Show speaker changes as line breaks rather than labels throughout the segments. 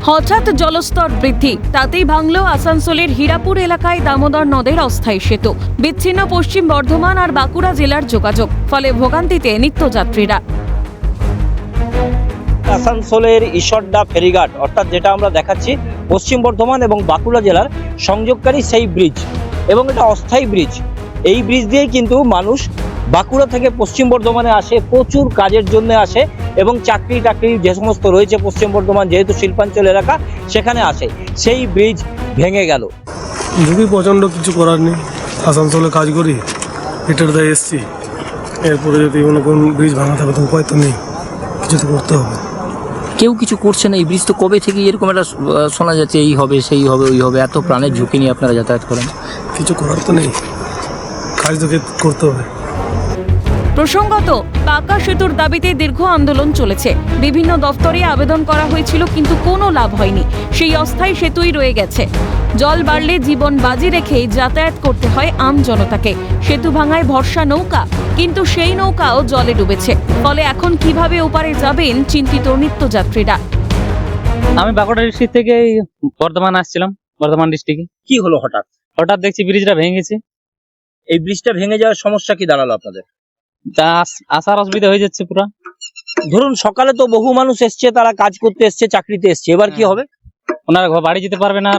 হঠাৎ জলস্তর বৃদ্ধি, তাতেই ভাঙল আসানসোলের হীরাপুর এলাকায় দামোদর নদের অস্থায়ী সেতু। বিচ্ছিন্ন পশ্চিম বর্ধমান আর বাঁকুড়া জেলার যোগাযোগ, ফলে ভোগান্তিতে নিত্যযাত্রীরা।
আসানসোলের ঈশ্বরদা ফেরিঘাট, অর্থাৎ যেটা আমরা দেখাচ্ছি পশ্চিম বর্ধমান এবং বাঁকুড়া জেলার সংযোগকারী সেই ব্রিজ, এবং এটা অস্থায়ী ব্রিজ। এই ব্রিজ দিয়েই কিন্তু মানুষ বাঁকুড়া থেকে পশ্চিম বর্ধমানে আসে, প্রচুর কাজের জন্য আসে, এবং চাকরি টাকরি যে সমস্ত রয়েছে পশ্চিম বর্ধমান যেহেতু শিল্পাঞ্চল এলাকা, সেখানে আসে। সেই ব্রিজ ভেঙে গেল।
যদি প্রচণ্ড কিছু করার নেই, আসানসোলে কাজ করি, এটার দায় এসছি, এরপরে যদি কোনো কোন ব্রিজ ভাঙা থাকে তো উপায় তো নেই, কিছু তো করতে হবে।
কেউ কিছু করছে না। এই ব্রিজ তো কবে থেকে এরকম একটা শোনা যাচ্ছে, এই হবে সেই হবে ওই হবে, এত প্রাণের ঝুঁকি নিয়ে আপনারা যাতায়াত করেন।
কিছু করার তো নেই, কাজ তো করতে হবে।
প্রসঙ্গত, পাকা সেতুর দাবিতে দীর্ঘ আন্দোলন চলেছে। বিভিন্ন দফতরে আবেদন করা হয়েছিল, কিন্তু কোনো লাভ হয়নি। সেই অস্থায়ী সেতুই রয়ে গেছে। জল বাড়লে জীবন বাজি রেখেই যাতায়াত করতে হয় আম জনতাকে। সেতু ভাঙায় ভরসা নৌকা, কিন্তু সেই নৌকাও জলে ডুবেছে। ফলে এখন কিভাবে ওপারে যাবেন চিন্তিত নিত্যযাত্রীরা।
আমি বাঁকুড়া ডিস্ট্রিক্ট থেকে বর্ধমান আসছিলাম, বর্ধমান ডিস্ট্রিক্টে।
কি হলো হঠাৎ?
হঠাৎ দেখছি ব্রিজটা ভেঙে গেছে।
এই ব্রিজটা ভেঙে যাওয়ার সমস্যা কি দাঁড়ালো আপনাদের?
তা আসার অসুবিধা হয়ে যাচ্ছে পুরা।
ধরুন সকালে তো বহু মানুষ এসছে, তারা কাজ করতে এসছে, চাকরিতে এসছে, এবার কি হবে?
ওনারা বাড়ি যেতে পারবে না আর।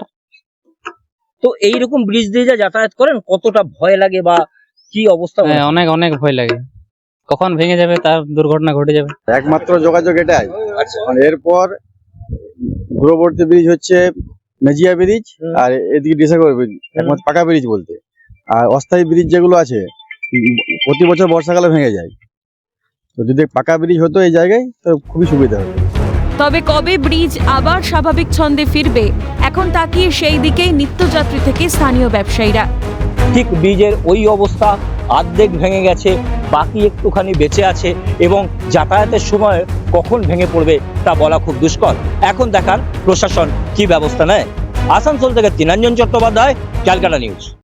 তো এইরকম ব্রিজ দিয়ে যা যাতায়াত করেন, কতটা ভয় লাগে বা কি অবস্থা?
হ্যাঁ, অনেক অনেক ভয় লাগে, কখন ভেঙে যাবে, তার দুর্ঘটনা ঘটে যাবে।
একমাত্র যোগাযোগ এটাই। এরপর দূরবর্তী ব্রিজ হচ্ছে মেজিয়া ব্রিজ, আর এদিকে ডিসাগর ব্রিজ, একমাত্র পাকা ব্রিজ বলতে। আর অস্থায়ী ব্রিজ যেগুলো আছে প্রতি বছর বর্ষাকালে ভেঙে যায়। তো যদি পাকা ব্রিজ হতো এই জায়গায় তো খুবই সুবিধা হতো।
তবে কবে ব্রিজ আবার স্বাভাবিক ছন্দে ফিরবে, এখন তাকিয়ে সেই দিকেই নিত্যযাত্রী থেকে স্থানীয় ব্যবসায়ীরা।
ঠিক ব্রিজের ওই অবস্থা, অর্ধেক ভেঙে গেছে, বাকি একটুখানি বেঁচে আছে, এবং যাতায়াতের সময় কখন ভেঙে পড়বে তা বলা খুব দুষ্কর। এখন দেখার প্রশাসন কি ব্যবস্থা নেয়। আসানসোল থেকে তৃণাঞ্জন চট্টোপাধ্যায়, ক্যালকাটা নিউজ।